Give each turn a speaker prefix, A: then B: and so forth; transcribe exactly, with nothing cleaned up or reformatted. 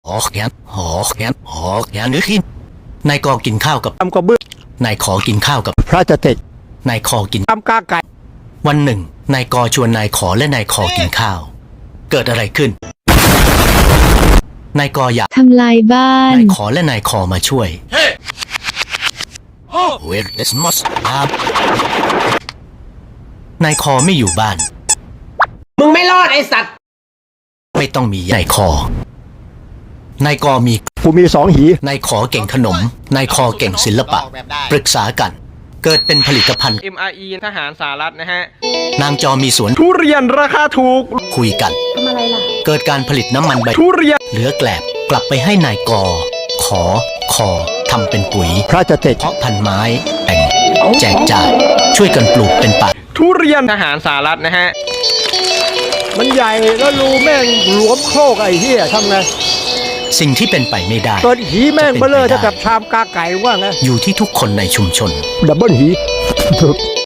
A: หอแขนหอแขนหอแขนหรือขินนายกอกินข้าวกับ
B: ทำกระเบื้อง
A: นายขอกินข้าวกับ
B: พระจะเตะ
A: นายคอกิน
B: ทำกาไก่
A: วันหนึ่งนายกอชวนนายขอและนายคอกินข้าว เกิดอะไรขึ้นนายกออยาก
C: ทำลายบ้าน
A: นายขอและนายคอมาช่วย Where is Moss ครับนายคอไม่อยู่บ้าน
D: มึงไม่รอดไอสัตว์
A: ไม่ต้องมีนายคอ นายกอมี
B: กูมีสองหี
A: นายขอเก่งขนม นายคอเก่งศิลปะ ปรึกษากัน เกิดเป็นผลิตภัณฑ์
E: เอ็ม อาร์ อี ทหารสหรัฐนะฮะ
A: นางจอมีสวน
B: ทุเรียนราคาถูก
A: คุยกัน
C: ทำอะไรล่ะ
A: เกิดการผลิตน้ำมันใบ
B: ทุเรียน
A: เหลือแกลบกลับไปให้นายกอ ขอ คอทำเป็นปุ๋ย
B: พระจะเตะ
A: เพาะพันธุ์ไม้แต่งแจกจ่ายช่วยกันปลูกเป็นป่า
B: ทุเรียน
E: ทหารสหรัฐนะฮะ
B: มันใหญ่แล้วรูแม่งหลวมโคกไอ้เหี้ยทำไง
A: สิ่งที่เป็นไปไม่ได้
B: เปิดหีแม่งเบลอเท่ากับชามกาไก่ว่าไง
A: อยู่ที่ทุกคนในชุมชน
B: ดับเบิลหี